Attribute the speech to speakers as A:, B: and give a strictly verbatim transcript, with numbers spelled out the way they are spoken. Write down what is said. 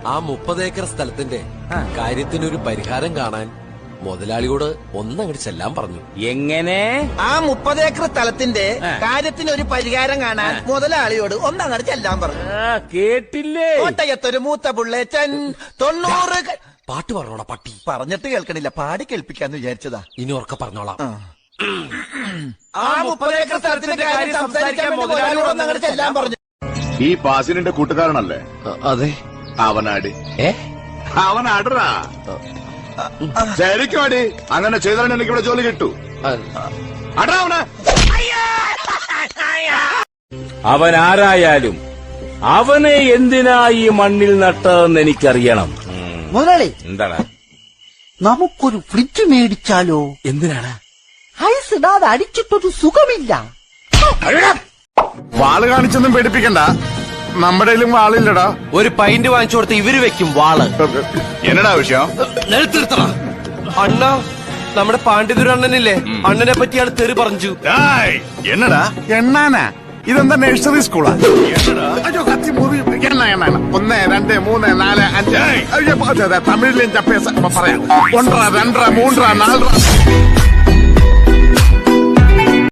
A: ആ മുപ്പത് ഏക്കർ സ്ഥലത്തിന്റെ കാര്യത്തിനൊരു പരിഹാരം കാണാൻ മുതലാളിയോട് ഒന്നങ്ങോട്ട് ചെല്ലാൻ പറഞ്ഞു.
B: എങ്ങനെ?
C: ആ മുപ്പത് ഏക്കർ സ്ഥലത്തിന്റെ കാര്യത്തിന് ഒരു പരിഹാരം കാണാൻ മുതലാളിയോട് ഒന്നങ്ങോട്ട് ചെല്ലാൻ പറഞ്ഞു.
B: കേട്ടില്ലേ?
C: കോട്ടയത്തൊരു മൂത്ത പുള്ളേച്ചൻ തൊണ്ണൂറ്
A: പാട്ട് പറഞ്ഞോളാം പട്ടി.
C: പറഞ്ഞിട്ട് കേൾക്കണില്ല, പാടി കേൾപ്പിക്കാന്ന് വിചാരിച്ചതാ.
A: ഇനി ഉറക്കെ പറഞ്ഞോളാം.
C: ആ മുപ്പത് ഏക്കർ സ്ഥലത്തിന്റെ കാര്യം സംസാരിക്കാൻ മുതലാളിയോട് ഒന്നങ്ങോട്ട് ചെല്ലാൻ പറഞ്ഞു.
D: ഈ പാസിനിന്റെ കൂട്ടുകാരനല്ലേ?
A: അതെ.
D: അവനാടി.
A: ഏ
D: അവനാടറാ. ശരിക്കും അടി. അങ്ങനെ ചെയ്താൽ എനിക്ക് ഇവിടെ ജോലി കിട്ടൂ. അടാ അവന്.
B: അവൻ ആരായാലും അവനെ എന്തിനാ ഈ മണ്ണിൽ നട്ടതെന്ന് എനിക്കറിയണം.
E: മുതലാളി,
B: എന്താണ്?
E: നമുക്കൊരു ഫ്രിഡ്ജ് മേടിച്ചാലോ?
B: എന്തിനാണ്?
E: ഐസ് ഇടാതെ അടിച്ചിട്ടൊരു സുഖമില്ല.
D: വാള് കാണിച്ചൊന്നും പേടിപ്പിക്കണ്ട, നമ്മുടെ വാളില്ലടാ.
A: ഒരു പൈന്റ് വാങ്ങിച്ചു കൊടുത്ത് ഇവര് വെക്കും വാള്.
D: എന്നടാ വിഷയം?
A: നിലത്തിരുത്തണ അണ്ണ. നമ്മുടെ പാണ്ഡിതുരണ്ണനില്ലേ, അണ്ണനെ പറ്റിയാണ് തെറി പറഞ്ഞു.
D: എന്നടാ എണ്ണാനാ? ഇതെന്താ നഴ്സറി സ്കൂളാ? അയ്യോ കത്തി മുറി. എണ്ണ എണ്ണ ഒന്ന് രണ്ട് മൂന്ന് നാല് അഞ്ച്. തമിഴിലും പറയാം. ഒന്നര രണ്ടര മൂന്നര നാലര